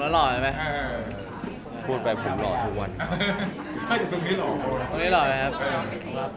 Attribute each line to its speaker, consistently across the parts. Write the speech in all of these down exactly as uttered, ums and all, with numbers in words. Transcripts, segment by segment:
Speaker 1: แล้วหล่อไหม
Speaker 2: เออ
Speaker 3: พูดไปผมหล่อทุกวัน
Speaker 2: ถ้าจะตรงนี้หล่อ
Speaker 1: ตรงนี้หล่อไหมครับครับ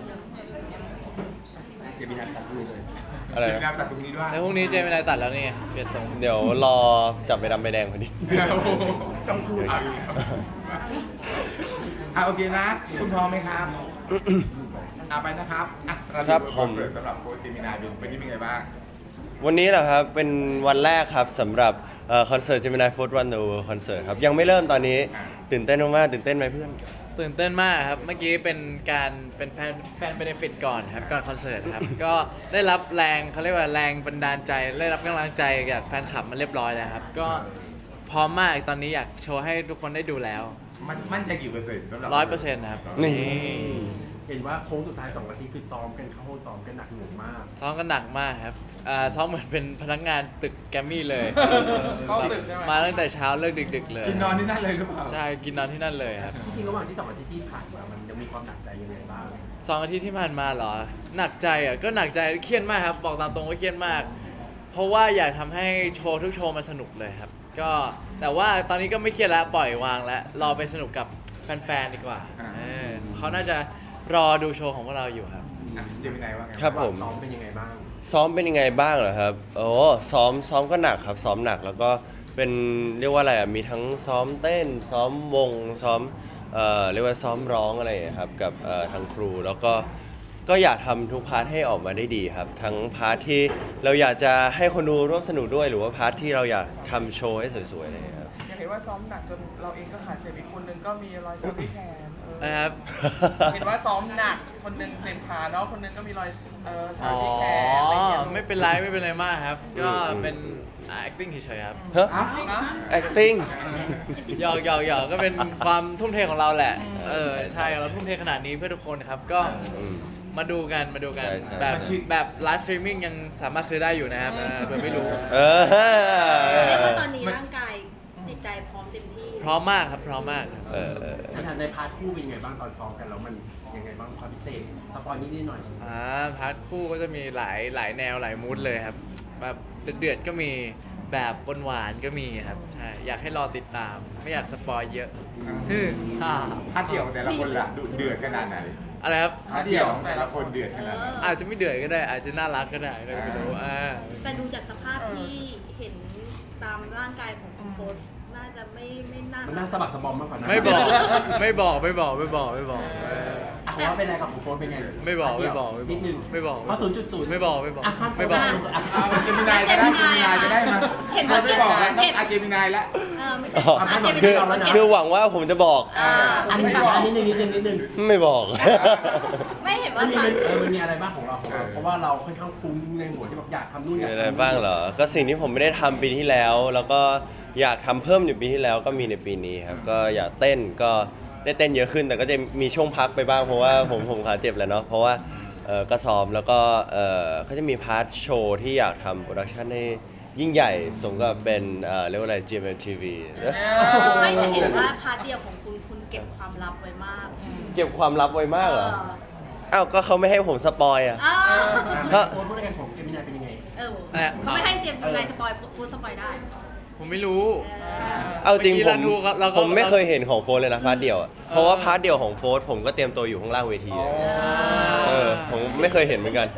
Speaker 2: เดี๋ยวมีนัดตัดดูเลย
Speaker 3: อะไร
Speaker 2: เดี๋ยวมีนั
Speaker 3: นะ
Speaker 2: ดตัดตรงนี้ด้วย
Speaker 1: แล้วพรุ่งนี้เจมินายตัดแล้วนี่ไงเปลี่ยนทรง
Speaker 3: เดี๋ยวรอจับไปดำไปแดงพอดี
Speaker 2: โอ้โหต้องพูดเอาอีกแล้วอ่ะโอเคนะ คุณพร้อมไหมครับอ่ะไปนะครับอ่ะเา
Speaker 3: ครับ
Speaker 2: ดู
Speaker 3: ผม
Speaker 2: อนเสิร์ตสำหรับโค้ชเจมินายเป็นเป็นยังไงบ้าง
Speaker 3: วันนี้แหละครับเป็นวันแรกครับสำหรับคอนเสิร์ต Gemini Food Run the World Concert ครับยังไม่เริ่มตอนนี้ตื่นเต้นมากๆตื่นเต้นไหมเพื่อน
Speaker 1: ตื่นเต้นมากครับเมื่อกี้เป็นการเป็นแฟนแฟนเบเนฟิตก่อนครับก่อนคอนเสิร์ตครับ ก็ได้รับแรงเขาเรียกว่าแรงบันดาลใจได้รับกำลังใจจากแฟนคลับมาเรียบร้อยแล้วครับก็พร้อมมากตอนนี้อยากโชว์ให้ทุกคนได้ดูแล้ว
Speaker 2: มันมั่นใจกี่เปอร์เซ็นต์สำหรับ
Speaker 1: ร้อยเปอร์เซ็นต์ครับ
Speaker 3: นี่
Speaker 4: เห็นว่าโค้งสุดท้ายสองนาทีคือซ้อมกันเข้าห้องซ้อมกันหนักหน่วงมาก
Speaker 1: ซ้อมกันหนักมากครับอ่าซ้อมเหมือนเป็นพนักงานตึกแกรมมี่เลย
Speaker 5: เข้าตึกใช่ไหม
Speaker 1: มาตั้งแต่เช้าเลิกดึกๆเลย
Speaker 2: กินนอนที่นั่นเลยหรือเปล่า
Speaker 1: ใช่กินนอนที่นั่นเลยครับ
Speaker 4: จริงๆระหว่างที่สองอาทิตย์ที่ผ่านมามันยังมีความหนักใจยังไงบ้าง
Speaker 1: สองอาทิตย์ที่ผ่านมาเหรอหนักใจอ่ะก็หนักใจเครียดมากครับบอกตามตรงว่าเครียดมาก เพราะว่าอยากทำให้โชว์ทุกโชว์มันสนุกเลยครับก็แต่ว่าตอนนี้ก็ไม่เครียดแล้วปล่อยวางแล้วรอไปสนุกกับแฟนๆดีกว่าเออเขาน่าจะรอดูโชว์ของพวกเราอยู่ครับ
Speaker 2: อ่ะเจมินายว่าไง
Speaker 3: ครับผม
Speaker 4: ซ้อมเป็นยังไงบ้าง
Speaker 3: ซ้อมเป็นยังไงบ้างเหรอครับโอ้ซ้อมซ้อมก็หนักครับซ้อมหนักแล้วก็เป็นเรียกว่าอะไรอ่ะมีทั้งซ้อมเต้น ซ้อมวงซ้อมเอ่อเรียกว่าซ้อมร้องอะไรอย่างเงี้ยครับกับเอ่อทางครูแล้วก็ก็อยากทำทุกพาร์ทให้ออกมาได้ดีครับ ทั้งพาร์ทที่เราอยากจะให้คนดูร่วมสนุกด้วย หรือว่าพาร์ทที่เราอยากทำโชว์ให้สวยๆอะไรอย่างเงี้ยครับ
Speaker 5: อยากเห็นว่าซ้อมหนักจนเราเองก็ขาดเจ็บอีกคนนึงก็มีรอยช้ำที่แขนเออ
Speaker 1: นะครับ
Speaker 5: เห็นว่าซ้อมหนักคนนึงเจ็บขาเนาะคนนึงก็มีรอยเออ
Speaker 1: อ๋อ
Speaker 5: ช้ำที่แขนอะไรอย่างเงี้ย
Speaker 1: ไม่เป็นไรไม่เป็นไรมากครับ ก็เป็น acting เฉยๆครับ
Speaker 3: ฮะ
Speaker 5: นะ
Speaker 3: acting
Speaker 1: หยอกหยอกหยอกก็เป็นความทุ่มเทของเราแหละ เออใช่เราทุ่มเทขนาดนี้เพื่อทุกคนครับก็
Speaker 3: อืม
Speaker 1: มาดูกันมาดูกัน
Speaker 3: ใช่ใช่
Speaker 1: แบบแบบไลฟ์สตรีมมิ่งยังสามารถซื้อได้อยู่นะครับเออเผื่อไม่รู้
Speaker 3: เออ
Speaker 6: เรียกว่าตอนนี้ร่างกายจิตใจพร้อมเต็มที่
Speaker 1: พร้อมมากครับพร้อมมากครับ
Speaker 3: เออเออ
Speaker 4: ในทางในพาร์ทคู่เป็นยังไงบ้างตอนซ้อมกันแล้วมันยังไงบ้างความพิเศษสปอยนิดนิดหน่อย
Speaker 1: อ่าพาร์ทคู่ก็จะมีหลายหลายแนวหลายมูดเลยครับแบบเดือดๆก็มีแบบหวานๆก็มีครับใช่อยากให้รอติดตาม ไม่อยากสปอยเยอะฮึ่มฮ่า
Speaker 2: พาร์ทเดี่ยวของแต่ละคนล่ะดุเดือดขนาดไหน
Speaker 1: อะไรครับ
Speaker 2: พาร์ทเดี่ยวของแต่ละคนเดือดขนาดไหน
Speaker 1: อาจจะไม่เดือดก็ได้ อาจจะน่ารักก็ได้ก็ไม่รู้อ่า
Speaker 6: แต่ดูจากสภาพที่เห็นตามร่างกายของคุณโฟนน่าจะไม่ไม่น่า
Speaker 4: มันน่าสะบักสะบอมมากกว่านั้น
Speaker 1: ไม่บอกไม่บอกไม่บอกไม่บอกไม่บอกเออ
Speaker 4: อ่ะผมว่าเป็นอะไรกับผมโค้ชเป็นไง
Speaker 1: ไม่บอกไม่บอกไม่บอก
Speaker 4: นิดนึง
Speaker 1: ไม่บอก
Speaker 4: เพราะศูนย์จุดศูนย์
Speaker 1: ไม่บอกไม่บอก
Speaker 4: อ่ะข้าม
Speaker 1: ไม่บอก
Speaker 4: อ่ะ
Speaker 2: เอาเจมินายจะได้เจมินายจะได้มา
Speaker 6: เห็น
Speaker 2: เราไม่บอกแล้วต้อง
Speaker 6: เห็น
Speaker 2: อาเจมินายแล้ว
Speaker 6: เออไม่
Speaker 3: อ๋อ
Speaker 6: อาจจะ
Speaker 3: คือ
Speaker 6: เป็น
Speaker 3: คือหวังว่าผมจะบอก
Speaker 6: อ่า
Speaker 4: อันนี้ต่างอันนี้นิดนึงนิดนึงนิดนึง
Speaker 3: ไม่บอก
Speaker 6: ไม่เห็น
Speaker 4: มั
Speaker 6: ว่าน
Speaker 4: มี
Speaker 6: ตอน
Speaker 4: เออมันมีอะไรบ้างของเราของเราเพราะว่าเราค่อนข้างฟุ้งในหัวที่แบบอยากทำนู่นอ
Speaker 3: มี
Speaker 4: ยาก
Speaker 3: อะไร
Speaker 4: ทำนี่
Speaker 3: บ้างเหรอ ก็สิ่งที่ผมไม่ได้ทำปีที่แล้ว แล้วก็อยากทำเพิ่มอยู่ปีที่แล้วก็มีในปีนี้ครับ ก็อยากเต้นก็ได้เต้นเยอะขึ้น แต่ก็จะมีช่วงพักไปบ้างเพราะว่าผมผมขาเจ็บแหล้วเนาะ เพราะว่าเออก็ซ้อมแล้วก็เออก็จะมีพาร์ทโชว์ที่อยากทำโปรดักชันให้ยิ่งใหญ่สมกับเป็นเออเรียกว่าอะไร จี เอ็ม เอ็ม ที วี
Speaker 6: ไม่แต่เห็นว่าพาร์ทเดียวของคุณคุณเก็บความลับไว้มาก
Speaker 3: เก็บความลับไว้มากเหรอ อ้าว ก็เขาไม่ให้ผมสปอยอ่ะ
Speaker 6: เออ
Speaker 4: อ่ะโค้ชพูดกันของเจมินายเป็นยังไง
Speaker 6: เออเขาไม่ให้เตรียมยังไงสปอยฟูดสปอยได้
Speaker 1: ผมไม่รู้
Speaker 3: เอาจริงผม
Speaker 1: เมื่อกี้เราดูครับเราก็
Speaker 3: ผมไม่เคยเห็นของโฟร์เลยนะพาร์ทเดียวอะเพราะว่าพาร์ทเดียวของโฟร์ผมก็เตรียมตัวอยู่ข้างล่างเวทีเลยเออผมไม่เคยเห็นเหมือนกัน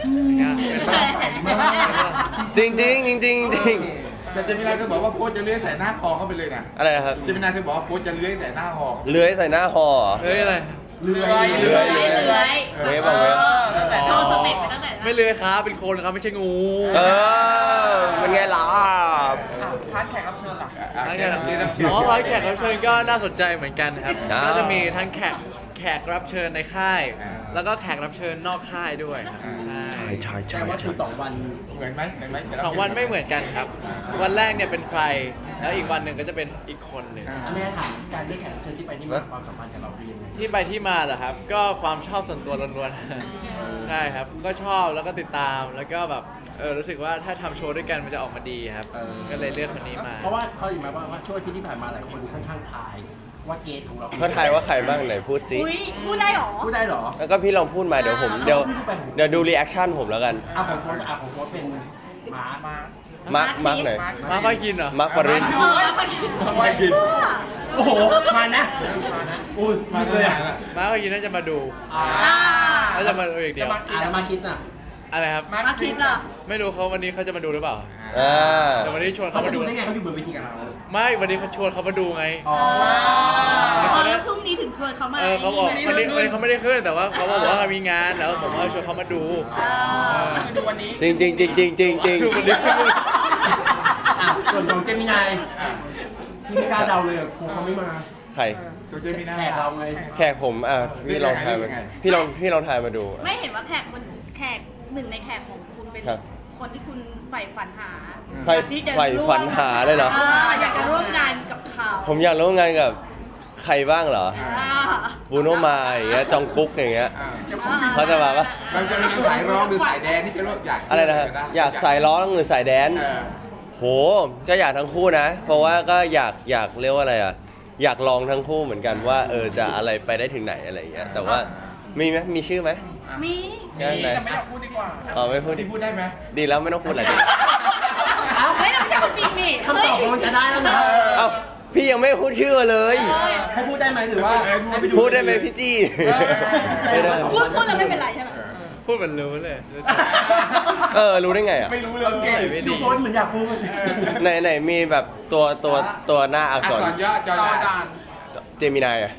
Speaker 3: จริงจริงจริงจริงจริง
Speaker 2: แต่เจมินายเคยบอกว่าโค้ชจะเลื้อยใส่หน้าคอเข้าไปเลยนะ
Speaker 3: อะไรนะครับ
Speaker 2: เจมินายเคยบอกว่าโค้ชจะเลื้อยใส่หน้าคอ
Speaker 3: เลื้อยใส่หน้าฮอเหรอ
Speaker 1: เฮ้ยอะไร
Speaker 2: เลื้อย
Speaker 3: เลื้อย
Speaker 6: เลื้อยเลื้อย
Speaker 3: เลื้อยบอกไว้
Speaker 6: โชว์สเต็ปไปตั้งแต่
Speaker 1: ไม่เลยครับเป็นคนครับไม่ใช่งู
Speaker 3: เออเป็นไงล่ะ
Speaker 5: อ่ะพาร์ทแขกรับเชิญล่ะ
Speaker 2: อ่ะ
Speaker 1: ทั้ง
Speaker 2: แข
Speaker 1: แข
Speaker 2: ก
Speaker 1: ก
Speaker 2: รับเชิญรับเชิญ
Speaker 1: อ๋อร้อยแขกรับเชิญก็น่าสนใจเหมือนกันครับ
Speaker 3: อ้าว
Speaker 1: ก็จะมีทั้งแขกแขกรับเชิญในค่าย
Speaker 2: อ่า
Speaker 1: แล้วก็แขกรับเชิญนอกค่ายด้วยครับใช่
Speaker 3: ใช่ใช่
Speaker 4: แต่
Speaker 3: ใช่
Speaker 4: ว่า
Speaker 3: ใช่
Speaker 4: คือสองวัน
Speaker 2: เหมือนไหมเหมือนไหม
Speaker 1: สองวันไม่เหมือนกันครับ วันแรกเนี่ยเป็นใคร แล้วอีกวันหนึ่งก็จะเป็นอีกคนหนึ่ง
Speaker 2: อ่า
Speaker 4: อันนี้ถามการเลือกแขกรับเชิญที่ไปนี่มาความสัมพันธ์กับเราเป็นยังไง
Speaker 1: ที่ไปที่มาเหรอครับ ก็ความชอบส่วนตัวล้วนๆ ใช่ครับ ก็ชอบแล้วก็ติดตาม แล้วก็แบบเออรู้สึกว่าถ้าทำโชว์ด้วยกันมันจะออกมาดีครับ ก็เลยเลือกคนนี้มา
Speaker 4: เพราะว่าเขาอยู่มาว่าว่าช่วงอาที่ที่ผ่านมาหลายคนค่อนข้างทายว่าเกสของเรา
Speaker 3: เขาทายว่าใครบ้างไหนพูดสิ
Speaker 6: อุ้ยพูดได้เหรอ
Speaker 4: พูดได้เหรอ
Speaker 3: แล้วก็พี่ลองพูดมาเดี๋ยวผมเดี๋ยวเดี๋ยวดูรีแอคชั่นผมแล้วกัน
Speaker 4: อ่ะของโค้ชอ่ะของโค้ชเป็นหมา
Speaker 5: มา
Speaker 1: ฮ
Speaker 3: มาร์คมาร์คไหน
Speaker 1: มาร์คพาคินเหรอ
Speaker 3: มาร์คปริน
Speaker 6: เออมาคิด
Speaker 2: มาคิด
Speaker 4: โอ้โห มานะอุ้ย
Speaker 2: มา
Speaker 4: เลยอ่ะ
Speaker 1: มาร์คพาคินน่าจะมาดู
Speaker 5: อ่า
Speaker 1: น่าจะมาดูอีกเดียว
Speaker 4: อ่ะแล้วมาคิดอ่ะ
Speaker 1: อะไรครับ
Speaker 5: มา
Speaker 6: มาคิดอ่ะ
Speaker 1: ไม่รู้เขาวันนี้เขาจะมาดูหรือเปล่า
Speaker 3: อ่า
Speaker 1: แต่วันนี้ชวน
Speaker 4: เขา
Speaker 1: เขา
Speaker 4: จะ
Speaker 1: มา
Speaker 4: ดู
Speaker 1: ดู
Speaker 4: ได้ไงเขาอยู่บนเวทีกับเรา
Speaker 1: ไม่วันนี้เขาชวนเขามาดูไง
Speaker 4: อ๋อ
Speaker 6: พอแล้วพรุ่งนี้ถึงชวนเขามา
Speaker 1: เออเขาบอกวันนี้วันนี้เขาไม่ได้ขึ้นแต่ว่าเขาบอกว่ามีงานแล้วผมก็ชวนเขามาดู
Speaker 5: คือดูวันนี้
Speaker 3: จริงจริงจริงจริงจริงจริง
Speaker 1: ดูวันนี้
Speaker 4: อ่ะส่วนของเจมินายที่ไม่กล้าเดาเลยอ่ะครูเขาไม่มา
Speaker 3: ใคร
Speaker 2: ตัวเจมินา
Speaker 4: แขกเราไง
Speaker 3: แขกผมอ่ะพี่ลองทายมา
Speaker 2: ยังไง
Speaker 3: พี่ลองพี่ลองทายมาดู
Speaker 6: ไม่เห็นว่าแขกคนแขกหนึ่งในแขกของคุณเป็น
Speaker 3: ครับ
Speaker 6: คนที่คุณใฝ่ฝันหา
Speaker 3: ใฝ่
Speaker 6: อยากที่จะ
Speaker 3: ใฝ่ฝันหาเลยเหรอ
Speaker 6: อยากจะร่วมงานกับเขา
Speaker 3: ผมอยากร่วมงานกับใครบ้างเหรอ
Speaker 6: อ่า
Speaker 3: บูโนมาอย่างเงี้ยจองกุ๊กอย่างเงี้ย
Speaker 2: อ่า
Speaker 3: เขาจะมาปะ
Speaker 2: เราจะเป็นสายร้องหรือสายแดนที่จะรู้อยาก
Speaker 3: อะไรนะฮะอยากสายร้องหรือสายแดน
Speaker 2: เออ
Speaker 3: โหก็อยากทั้งคู่นะ เพราะว่าก็อยากอยากเรียกว่าอะไรอ่ะอยากลองทั้งคู่เหมือนกันว่าเออจะอะไรไปได้ถึงไหนอะไรอย่างเงี้ยแต่ว่ามีไหมมีชื่อไหม
Speaker 6: มี
Speaker 3: งานไหน
Speaker 5: แต่ไม่อยากพูดดีกว่า
Speaker 3: อ๋อไม่พูด
Speaker 2: ที่พูดได้ไหม
Speaker 3: ดีแล้วไม่ต้องพูดอะไรดี
Speaker 6: เฮ้ยเราไม่ใช่คนจริงนี่
Speaker 4: คำตอบมันจะได้แล้วนะ
Speaker 3: เอ้าพี่ยังไม่พูดชื่อเลย
Speaker 4: ให้พูดได้ไหมหรือว่าให้ไปดู
Speaker 3: พูดได้ไหมพี่จี้ไม่ได้
Speaker 6: พูดพูดแล้วไม่เป็นไรใช่ไหม
Speaker 1: พูดเหมือนรู้เลย
Speaker 3: เออรู้ได้ไงอ่ะ
Speaker 2: ไม่รู้เลยเก่ง
Speaker 1: ไม่
Speaker 4: ดู
Speaker 1: ดี
Speaker 4: โพสเหมือนอยากพูด
Speaker 3: ไหนไหนมีแบบตัวตัวตัวหน้าอัก
Speaker 2: อัก
Speaker 3: ษร
Speaker 2: ษรย่อจอ
Speaker 5: จอ
Speaker 2: จา
Speaker 5: จาน น
Speaker 3: เจมินายอ่ะ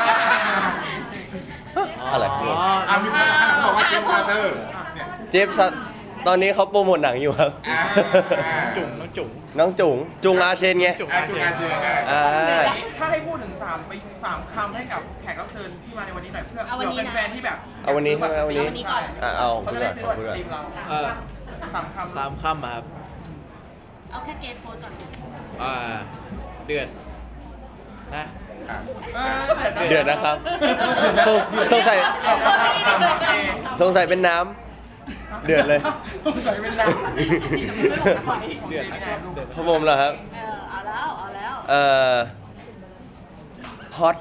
Speaker 3: อะไร
Speaker 1: อ๋อ
Speaker 2: อ่ามีคนบอกว่าเจมส์คาร์เตอร์เนี่ย
Speaker 3: เจฟซัตตอนนี้เขาโปรโมทหนังอยู่ครับ
Speaker 2: อ่าอ่า
Speaker 1: จุ๋งน้องจุ๋ง
Speaker 3: น้องจุ๋งจุงอาเชนไง
Speaker 1: จุ๋ง
Speaker 2: อ่า
Speaker 1: อา
Speaker 2: จุ
Speaker 1: เช
Speaker 2: งาน เจอได้
Speaker 3: อ่า
Speaker 5: ถ้าให้พูดถึงสามไปสามคำให้กับแขกรับเชิญที่มาในวันนี้หน่อยเพื่อ
Speaker 6: เอาวันนี้
Speaker 5: เผื่อ
Speaker 6: นะ
Speaker 5: แฟนๆที่แบบ
Speaker 3: เอาวันนี้ใช่ไหมเอาวันนี้
Speaker 5: ใช่
Speaker 3: อ่ะเอา
Speaker 5: เขา
Speaker 3: พู
Speaker 5: จะ
Speaker 3: ดก่
Speaker 5: ได้
Speaker 3: อน
Speaker 5: ซื้อ
Speaker 3: ขอ
Speaker 5: บัตร
Speaker 3: พูด
Speaker 5: ส
Speaker 3: ก่อน
Speaker 5: ตรีมเรา
Speaker 1: เออ
Speaker 5: สามคำ
Speaker 1: สามค่ำอะครับ
Speaker 6: เอาแค่เกสโฟนก่อน
Speaker 1: อ่าเดือดนะ
Speaker 2: อ่า
Speaker 5: เออ
Speaker 3: เดือดนะครับสงสงสัยสงสัยเป็นน้ำเดือดเลย
Speaker 5: ใส่เป็นน้ำ
Speaker 1: เดือดนะครับเดือด
Speaker 3: พระผมเหรอครับ
Speaker 6: เออเอาแล้วเอาแล้ว
Speaker 3: เอ่อฮอต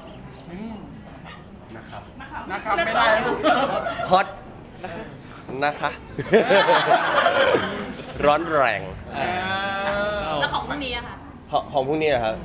Speaker 5: นะครับไม่ได้ลูก
Speaker 3: ฮอตนะคะ ร้อนแรง
Speaker 5: เออ
Speaker 6: แล้วของพรุ่งนี้อะค่ะ
Speaker 3: ของของพวกนี้นะครับ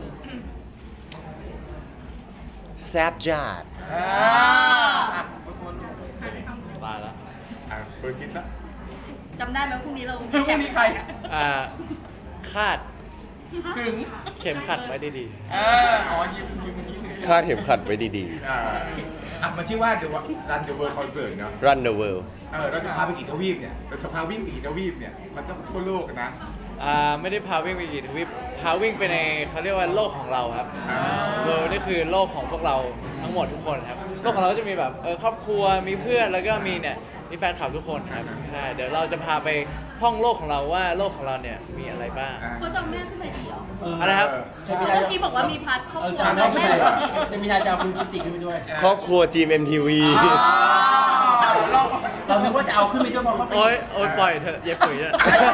Speaker 3: แซบจัด
Speaker 5: เอออ่ะทุกคน
Speaker 1: ตายแล้ว
Speaker 2: อ่าเปิดคิดละ
Speaker 6: จำได้ไหมพรุ่งนี้เรา
Speaker 5: พรุ่งนี้ใคร
Speaker 1: อ่าคาด
Speaker 5: ถึง
Speaker 1: เข็มขัดไว้ดี
Speaker 5: เอออ๋อยิ้มยิ้มยิ้ม
Speaker 3: คาดเข็มขัดไว้ดี
Speaker 2: อ่าอ่ะมันชื่อว่า The Run the World Concert เนาะ
Speaker 3: ๆ Run the world
Speaker 2: เออเราจะพาไปกี่ทวีปเนี่ยเราจะพาวิ่งกี่ทวีปเนี่ยมันต้องทั่วโลกนะ
Speaker 1: ๆอ่าไม่ได้พาวิ่งไปกี่ทวีปพาวิ่งไปในเขาเรียกว่าโลกของเราครับ
Speaker 2: อ่า
Speaker 1: เวิลด์นี่คือโลกของพวกเราทั้งหมดทุกคนครับโลกของเราก็จะมีแบบเออครอบครัวมีเพื่อนแล้วก็มีเนี่ยมีแฟนคลับทุกคนครับใช่เดี๋ยวเราจะพาไปท่องโลกของเราว่าโลกของเราเนี่ยมีอะไรบ้าง
Speaker 2: อ่า
Speaker 6: เขาจำแม่ขึ้นมาดีเหรอ
Speaker 1: อะไรครับ
Speaker 4: ใช่ไม่
Speaker 6: เมื่
Speaker 4: ได้
Speaker 6: อกี้บอกว่ามีพัดครอบ
Speaker 4: เออ
Speaker 6: ครัว
Speaker 4: จำได้
Speaker 6: แม่
Speaker 4: ขึ้น
Speaker 6: เหร
Speaker 4: ไป
Speaker 6: อ
Speaker 4: จะมีนายจะเอาคุณกิติขึ้นไปด้วย
Speaker 3: ครอบครัว จี เอ็ม ที วี
Speaker 5: เรา
Speaker 4: เราคิดว่าจะเอาขึ้นไปด้วยเพราะเขาเป็น
Speaker 1: โอ๊ยโอ๊ยปล่อยเถอะเย็บปุ๋ยเนี่ย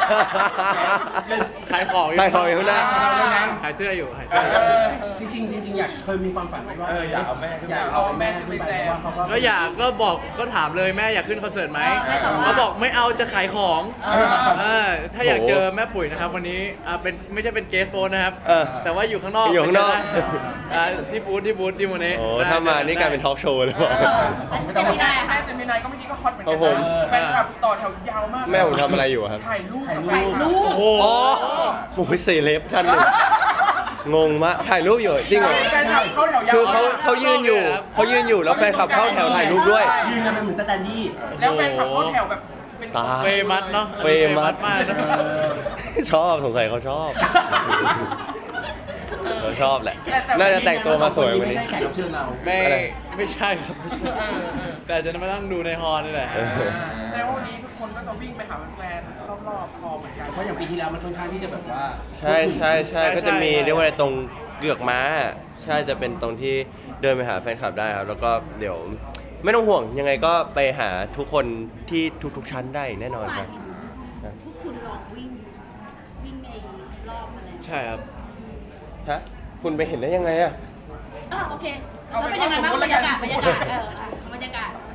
Speaker 1: ขายของอยู่
Speaker 3: ขายของอยู่ข้างหน้า
Speaker 1: ขายเสื้ออยู่ขายเสื้ออยู่
Speaker 4: จริงๆจริงๆอยากเคยมีความฝันไว้ว่า
Speaker 2: เอออยากเอาแม่ขึ้นไป
Speaker 4: อยากเอาแม่ขึ้นไปเพราะว่าเขาก็
Speaker 1: ก็อยากก็บอกก็ถามเลยแม่อยากขึ้นคอนเสิร์ตไหม
Speaker 6: แม่ตอบว่า
Speaker 1: เขาบอกไม่เอาจะขายของ
Speaker 6: เออ
Speaker 1: เออถ้าอยากเจอแม่ปุ๋ยนะครับวันนี้อ่าเป็นไม่ใช่เป็นเกสโฟนนะครับ
Speaker 3: เออ
Speaker 1: แต่ว่าอยู่ข้างนอก
Speaker 3: อยู่ข้างนอก
Speaker 1: ไปเจได้อ่าที่บูธที่บูธที่โมเน่
Speaker 3: โอ้ถ้ามานี่กลายเป็นทอล์กโชว์เลยบอก
Speaker 6: เจมินายอะ
Speaker 5: แม่
Speaker 6: ค่ะ
Speaker 5: เจมินายก็เมื่อกี้ก็ฮอตเหมือน
Speaker 3: ครั
Speaker 5: กับ
Speaker 3: ผม
Speaker 5: นแฟนคลับต่อแถวยาวมาก
Speaker 3: แม่ผมทำอะไรอยู่อะครับ
Speaker 5: ถ่ายรูป
Speaker 4: ถ่ายรูป
Speaker 5: กับแฟนคลับ
Speaker 6: ลูก
Speaker 1: โอ้โห
Speaker 3: อ๋อโอ้ยเซเลบท่านหนึ่งงงมากถ่ายรูปอยู่จริงเหรอ
Speaker 5: แฟนคลับเข้าแถวยาว
Speaker 3: คือเขาเขายืนอยู่เขายืนอยู่แล้วแฟนคลับเข้าแถวถ่ายรูปด้วย
Speaker 4: ยืนกันเป็นเหมือนสแตนดี้
Speaker 5: แล้วแฟนคลับเข้าแถวแบบเป็น
Speaker 3: ตาย
Speaker 1: เฟมัสเนาะ
Speaker 3: เฟมัส
Speaker 1: มากนะ
Speaker 3: ชอบสงสัยเขาชอบเขาชอบแหละ น่าจะแต่งตัวมาสวยกว่านี้
Speaker 4: ไม่ใช่แขกรับเชิญเรา
Speaker 1: ไม่
Speaker 3: อะไร
Speaker 1: ไม่ใช่ครับไม่ใช่แต่จะมานั่งดูในฮอลนี่แหละ
Speaker 3: เออ
Speaker 5: แสดงว่าวันนี้ทุกคนก็จะวิ่งไปหาแฟนๆรอบๆคอเหมือนกัน
Speaker 4: เพราะอย่างปีที่แล้วมันค่อนข้างที่จะแบบว่า
Speaker 3: ใช่ใช่ใช่
Speaker 1: ใช่
Speaker 3: ก็จะมี
Speaker 1: ใช่
Speaker 3: เรียกว่าอะไรตรงเกือกม้า ใช่จะเป็นตรงที่เดินไปหาแฟนคลับได้ครับ แล้วก็เดี๋ยวไม่ต้องห่วงยังไงก็ไปหาทุกคนที่ทุกๆชั้นได้แน่นอนครับ
Speaker 6: พวกคุณลองวิ่ง วิ่งในรอบมาแล้ว
Speaker 1: ใช่ครับ
Speaker 3: ฮะคุณไปเห็นได้ยังไงอะ
Speaker 6: อ่ะโอเคแล้วเป็นยังไงบ้างบรรยากาศบรรยากาศเอออ่ะบรรยากาศ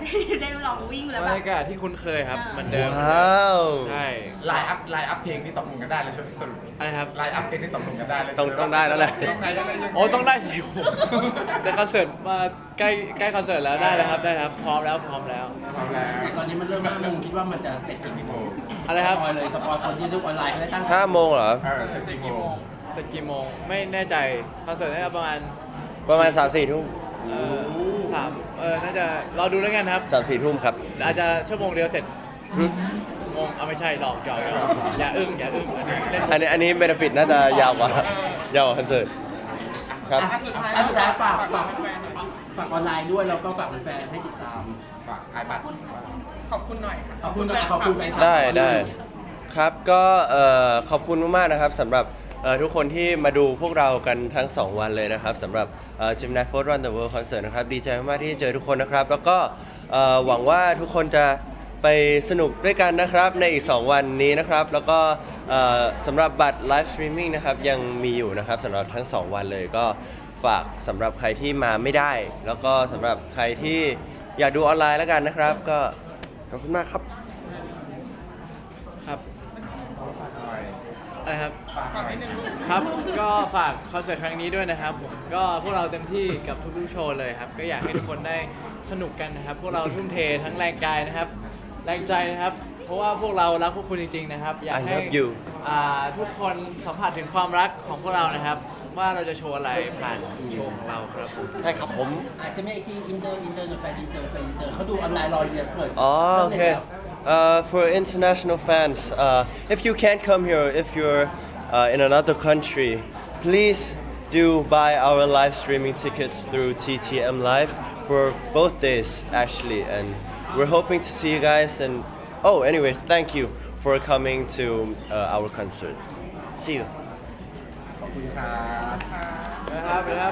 Speaker 6: ได้ลองวิ่งแล้ว
Speaker 1: บร
Speaker 6: แบ
Speaker 1: ร
Speaker 6: บ
Speaker 1: ยากาศที่คุ้นเคยครับเหมันเดิม
Speaker 3: ว้าว
Speaker 1: ใช่
Speaker 2: ไลน์อัพไลน์อัพเพลงที่ตกลงกันได้เลยใช่ไหมสรุป
Speaker 1: อะไรครับ
Speaker 2: ไลน์อัพเพลงที่ตกลงกันได้เลย
Speaker 3: ต้องต้องได้แล้วแหละ
Speaker 2: ต้องได้ยังไงยังไง
Speaker 1: โอ้ต้องได้สิผมแต่คอนเสิร์ตมาใกล้ใกล้คอนเสิร์ตแล้วได้แล้วครับได้ครับพร้อมแล้วพร้อมแล้ว
Speaker 2: พร้อมแล้ว
Speaker 4: ตอนนี้มันเริ่มห้าโมงคิดว่ามันจะเสร็จกี่โมง
Speaker 1: อะไรครับ
Speaker 4: สปอยเลยสปอยคนที่ดูออนไลน์เขาได้ตั้ง
Speaker 3: ห้าโมงเหรอ
Speaker 2: เออสี่โมง
Speaker 1: เสร็จกี่โมงไม่แน่ใจคอนเสิร์ตน่าจะประมาณ
Speaker 3: ประมาณสามสี่ทุ่ม
Speaker 1: เอ่อสามเออน่าจะรอดูแล้วกันครับ
Speaker 3: สามสี่ทุ่มครับ
Speaker 1: อาจจะชั่วโมงเดียวเสร็จงงเอาไม่ใช่หลอกหยอกหยอกอย่าอึ้งอย่าอึ้งอันนี้เล่น
Speaker 3: อันนี้อันนี้เบนฟิตน่าจะยาวกว่า ยาวกว่าคอนเสิร์ตครับ
Speaker 5: อ่ะสุดท้าย
Speaker 4: อ่ะสุดท้ายฝาก
Speaker 5: ฝา
Speaker 4: ฝาก ก
Speaker 5: แฟนๆหน่อย
Speaker 4: ฝากออนไลน์ด้วยแล้วก็ฝากแฟนๆให้ติดตาม
Speaker 2: ฝากไอบัตร
Speaker 5: ขอบคุณหน่อยค่ะ
Speaker 4: ขอบคุณขอบคุณแฟนคลับ
Speaker 3: ได้ได้ครับก็เอ่อขอบคุณมากๆนะครับสำหรับเอ่อทุกคนที่มาดูพวกเรากันทั้งสองวันเลยนะครับสำหรับเอ่อ Gemini Force Run the World Concert นะครับดีใจมากๆที่เจอทุกคนนะครับ แล้วก็เอ่อหวังว่าทุกคนจะไปสนุกด้วยกันนะครับในอีก สอง วันนี้นะครับ แล้วก็เอ่อสำหรับบัตร Live Streaming นะครับยังมีอยู่นะครับสำหรับทั้ง สอง วันเลยก็ฝากสำหรับใครที่มาไม่ได้ แล้วก็สำหรับใครที่อยากดูออนไลน์แล้วกันนะครับ ก็ขอบคุณมากครับ
Speaker 1: ครับ
Speaker 2: ฝากหน่อย
Speaker 1: อะไรครับ
Speaker 2: ฝากห
Speaker 5: ฝาก
Speaker 2: น่อย
Speaker 5: นิดนึงลูก
Speaker 1: ครับก็ฝากคอนเสิร์ตครั้งนี้ด้วยนะครับผมก็พวกเราเต็มที่กับทุกๆโชว์เลยครับก็อยากให้ทุกคนได้สนุกกันนะครับ พวกเราทุ่มเททั้งแรงกายนะครับ แรงใจนะครับ เพราะว่าพวกเรารักพวกคุณจริงๆนะครับ อยาก
Speaker 3: I
Speaker 1: ให้
Speaker 3: love you
Speaker 1: อ่าทุกคนสัมผัสถึงความรักของพวกเรานะครับ ว่าเราจะโชว์อะไรผ่านโชว์ของเราครับผม
Speaker 3: ใช่ครับผม
Speaker 4: อาจจะไม่ที่อินเตอร์อินเตอร์แฟนอินเตอร์แฟนอินเตอร์เขาดูออนไลน์รอเรียนเปิด
Speaker 3: Oh, okay. Uh, for international fans, uh, if you can't come here, if you're uh, in another country, please do buy our live streaming tickets through T T M Live for both days, actually. And we're hoping to see you guys. And oh, anyway, thank you for coming to uh, our concert. See you.
Speaker 4: ขอบคุณครับ
Speaker 1: นะครับนะครับ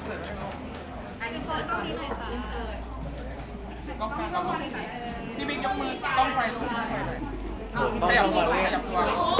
Speaker 5: กล้องกลางกับลูกพี่บิ๊กยกมือกล้องไฟลูกกล้องไฟหน่อย
Speaker 1: ต้อง
Speaker 5: ขยับ
Speaker 1: ต้อง
Speaker 5: ตัว
Speaker 1: มา
Speaker 5: ข
Speaker 1: เล่น
Speaker 5: ยับตัว